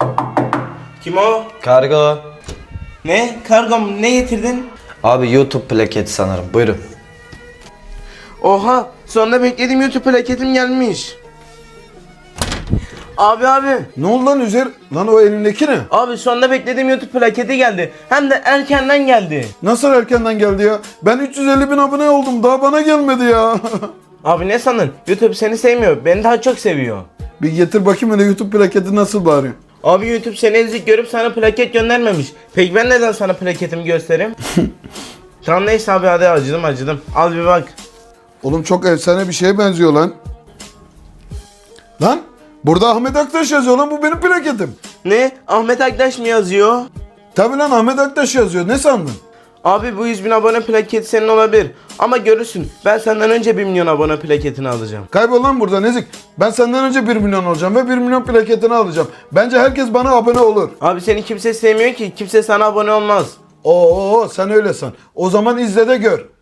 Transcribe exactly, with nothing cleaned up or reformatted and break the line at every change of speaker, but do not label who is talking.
Kim o?
Kargo.
Ne? Kargom ne getirdin?
Abi YouTube plaketi sanırım. Buyurun.
Oha! Sonunda beklediğim YouTube plaketim gelmiş. Abi abi.
Ne oldu lan Üzer? Lan o elindeki ne?
Abi sonunda beklediğim YouTube plaketi geldi. Hem de erkenden geldi.
Nasıl erkenden geldi ya? Ben üç yüz elli bin abone oldum. Daha bana gelmedi ya.
Abi ne sandın? YouTube seni sevmiyor. Beni daha çok seviyor.
Bir getir bakayım hele YouTube plaketi nasıl bari.
Abi YouTube seni ezik görüp sana plaket göndermemiş. Peki ben neden sana plaketimi göstereyim? Tamam neyse abi hadi acıdım acıdım. Al bir bak.
Oğlum çok efsane bir şeye benziyor lan. Lan burada Ahmet Aktaş yazıyor lan, bu benim plaketim.
Ne? Ahmet Aktaş mı yazıyor?
Tabi lan Ahmet Aktaş yazıyor, ne sandın?
Abi bu yüz bin abone plaketi senin olabilir. Ama görürsün ben senden önce bir milyon abone plaketini alacağım.
Kaybol lan buradan ezik. Ben senden önce bir milyon olacağım ve bir milyon plaketini alacağım. Bence herkes bana abone olur.
Abi seni kimse sevmiyor ki. Kimse sana abone olmaz.
Oo sen öyle san. O zaman izle de gör.